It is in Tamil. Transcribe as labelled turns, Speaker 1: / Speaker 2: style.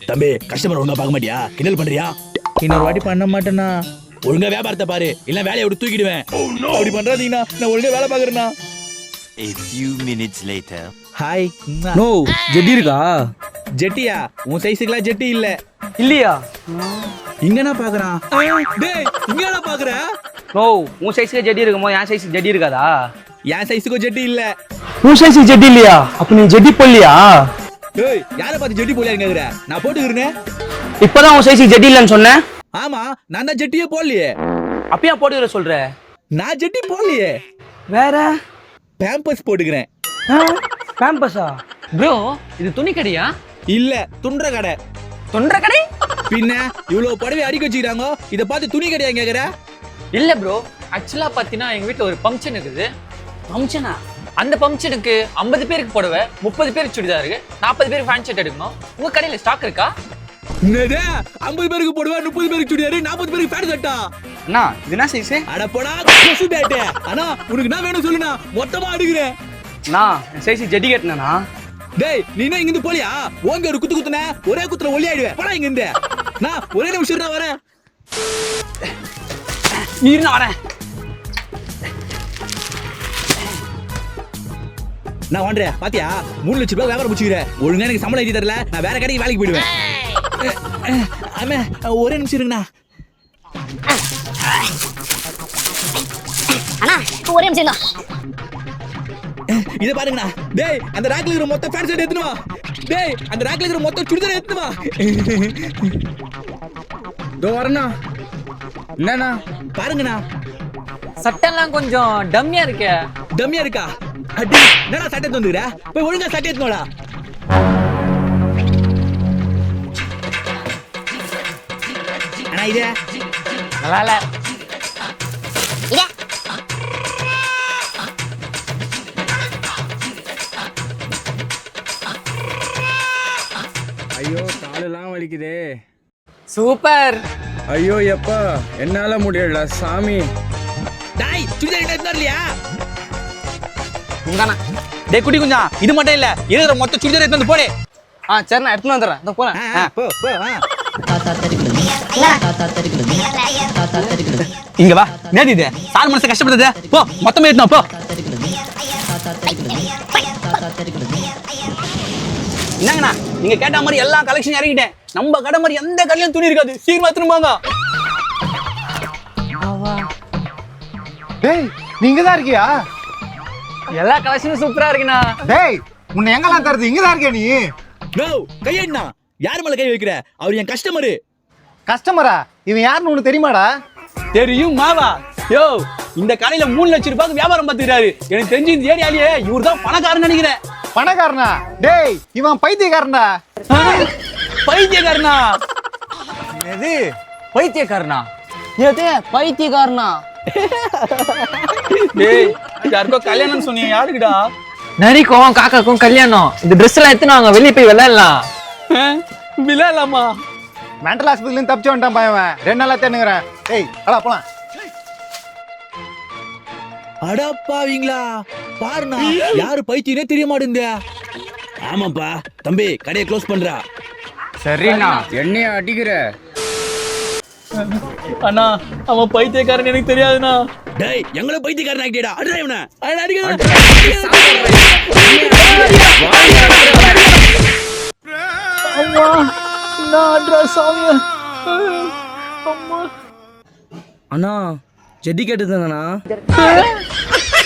Speaker 1: தம்பி கஸ்டமர் ஒழுங்கா பார்க்க மாட்டியா? கிண்டல் பண்றியா?
Speaker 2: இன்னொரு வாட்டி பண்ண மாட்டேண்ணா.
Speaker 1: ஒழுங்கா வியாபாரத்தை பாரு, இல்ல வேலையை விட்டு தூக்கிடுவேன்.
Speaker 2: அப்படி பண்றாதீங்கண்ணா, நான் ஒழுங்கா வேலை பாக்குறேண்ணா.
Speaker 3: A few minutes later.
Speaker 2: Hi.
Speaker 4: No ஜெட்டி இருக்கா?
Speaker 2: ஜெட்டியா? உன் சைஸுக்குலாம் ஜெட்டி இல்ல.
Speaker 4: இல்லையா?
Speaker 2: இங்கனா பாக்குறான். டேய் இங்கனா பாக்குற?
Speaker 4: நோ உன் சைஸ்க்கு ஜெட்டி இருக்குமோ என் சைஸ்க்கு ஜெட்டி இருக்காதா?
Speaker 2: என் சைஸுக்கு ஜெட்டி இல்ல.
Speaker 4: உன் சைஸ்க்கு ஜெட்டி இல்லையா? அப்ப நீ ஜெட்டி போடலையா?
Speaker 2: டேய் யாரை பார்த்து ஜெட்டி போடலையான்னு கேக்குற? நான் போட்டுக்கிறேனே.
Speaker 4: இப்பதான் உன் சைஸ்க்கு ஜெட்டி இல்லன்னு சொன்னேன்.
Speaker 2: ஆமா நான் தான் ஜெட்டியே போடலையே.
Speaker 4: அப்பயா போட்டுக்கிற சொல்ற?
Speaker 2: நான் ஜெட்டி போடலையே.
Speaker 4: வேற
Speaker 2: பேம்பஸ் போட்டுக்கிறேன்.
Speaker 4: பேம்பஸா?
Speaker 5: ப்ரோ இது துணி கடையா?
Speaker 2: இல்ல துண்ட கடை.
Speaker 5: தொன்ற கடை?
Speaker 2: பின்ன இவ்வளவு புடவை அடிக்க வச்சுக்கிறாங்க, இத பார்த்து துணி கடையா கேக்குற?
Speaker 5: இல்ல ப்ரோ, ஆக்சுவலா பாத்தீங்கன்னா எங்க வீட்ல ஒரு ஃபங்க்ஷன் இருக்குது.
Speaker 4: ஃபங்க்ஷனா?
Speaker 5: அந்த ஃபங்க்ஷனுக்கு 50 பேருக்கு புடவை, 30 பேருக்கு சுடிதாருக்கு, 40 பேருக்கு ஃபேன் ஷர்ட் எடுக்கணும். உங்க கடையில ஸ்டாக் இருக்கா?
Speaker 2: என்னது 50 பேருக்கு போடுவா, 30 பேருக்கு சுடிதாரு, 40 பேருக்கு பேண்ட் ஷர்ட்டா?
Speaker 4: அண்ணா இது என்ன சைஸ்?
Speaker 2: அட போடா கொசு பேட்டே. அண்ணா உனக்கு என்ன வேணும் சொல்லுண்ணா, மொத்தமா அடிக்கிறேன்.
Speaker 4: அண்ணா என் சைஸ் ஜெட்டி கேட்டனா?
Speaker 2: டேய் நீ என்ன இங்க இருந்து போலியா? ஓங்க ஒரு குத்து குத்துன ஒரே குத்துல ஒலி ஆயிடுவேன். போடா இங்க இருந்து. நான் ஒரே நிமிஷம் நான் வரேன்.
Speaker 4: நீ இரு நான் வரேன்.
Speaker 2: நான் வாண்டறேன் பாத்தியா? 3 லட்சம் ரூபாய் வியாபாரம் முடிச்சுக்கிறேன். ஒழுங்கா எனக்கு சம்பளம் எழுதி தரல, நான் வேற கடைக்கு வேலைக்கு போயிடுவேன். ஆமா ஒரே நிமிஷம் இருங்கண்ணா.
Speaker 6: அண்ணா ஒரே நிமிஷம் தான்.
Speaker 2: இத பாருங்கண்ணா. டேய் அந்த ராக்ல இருக்கிற மொத்த ஃபேன் ஷர்ட் எடுத்துட்டு வா. டேய் அந்த ராக்ல இருக்கிற மொத்த சுடிதார் எடுத்துட்டு வா.
Speaker 4: தோ வரேண்ணா. என்னண்ணா?
Speaker 2: பாருங்கண்ணா.
Speaker 5: சட்டெல்லாம் கொஞ்சம் டம்மியா இருக்கே.
Speaker 2: டம்மியா இருக்கா? அடி என்னடா சட்டை தந்துக்குற? போய் ஒழுங்கா சட்டை எடுத்துனோடா. அண்ணா இது
Speaker 5: நல்லா இல்ல.
Speaker 6: இதே
Speaker 7: ஐயோ காலெல்லாம் வலிக்குதே.
Speaker 5: சூப்பர்.
Speaker 7: ஐயோ எப்பா என்னால முடியல சாமி.
Speaker 2: டேய் சுடிதார் எடுத்து வரலையா?
Speaker 4: உங்கண்ணா.
Speaker 2: டேய் குட்டி குஞ்சா இது மட்டும் இல்ல, இருக்கிற மொத்த சுடிதார் எடுத்து வந்து போடு.
Speaker 4: சரிண்ணா எடுத்துன்னு வந்துடுறேன். இதோ போறேன்.
Speaker 2: போ போ.
Speaker 1: இங்க வா. என்னது இது? சார் மனசு கஷ்டப்படுது. போ மொத்தமே எடுத்துனோ போ.
Speaker 2: என்னங்கண்ணா நீங்க கேட்ட மாதிரி எல்லா கலெக்ஷன் இறங்கிட்டேன். நம்ம கடை மாதிரி எந்த கடையிலும் துணி இருக்காது. சீக்கிரமா திரும்பாங்க.
Speaker 8: டேய் நீங்க தான் இருக்கியா?
Speaker 5: எல்லா கலெக்ஷனும் சூப்பரா இருக்குண்ணா.
Speaker 8: டேய் உன்னை எங்கெல்லாம் தருது? இங்க தான் இருக்கியா நீ?
Speaker 2: நோ கையண்ணா. யார் மேல கை வைக்கிற? அவர் என் கஸ்டமரு.
Speaker 8: கஸ்டமரா? இவன் யாருன்னு உனக்கு தெரியுமாடா?
Speaker 2: தெரியும் மாவா. யோ இந்த கடையில 3 லட்சம் ரூபாய்க்கு வியாபாரம் பார்த்துக்கிறாரு. எனக்கு தெரிஞ்சு இந்த ஏரியாலேயே இவர் தான் பணக்காரன்னு நினைக்கிறேன்.
Speaker 8: பணக்காரனா? டேய் இவன் பைத்தியக்காரன்டா.
Speaker 2: பைத்தியக்காரனா?
Speaker 4: எது பைத்தியக்காரனா? எது பைத்தியக்காரனா?
Speaker 2: டேய் யாருக்கோ கல்யாணம் சொன்னீங்க, யாருக்குடா?
Speaker 5: நரிக்கும் காக்காக்கும் கல்யாணம். இந்த ட்ரெஸ் எல்லாம் எடுத்து நாங்க வெளியே போய் விளையாடலாம்.
Speaker 2: விளையாடலாமா?
Speaker 8: மென்டல் ஹாஸ்பிட்டல்ல இருந்து தப்பிச்சு வந்துட்டான் பையன். 2 நாளா தேடுங்கறேன். டேய் அடா போலாம்.
Speaker 2: அடப்பாவீங்களா பாருண்ணா, யாரு பைத்தியனே தெரிய மாட்டேங்குது.
Speaker 1: ஆமாப்பா தம்பி, கடையை க்ளோஸ் பண்றா.
Speaker 7: சரிண்ணா என்னைய அடிக்கிற?
Speaker 2: அண்ணா அவன் பைத்தியக்காரன் எனக்கு தெரியாதுண்ணா.
Speaker 1: டேய் எங்களை பைத்தியக்காரன் ஆக்கிட்டா. அடிடா இவனை.
Speaker 4: அண்ணா ஜெட்டி கேட்டுதாங்கண்ணா.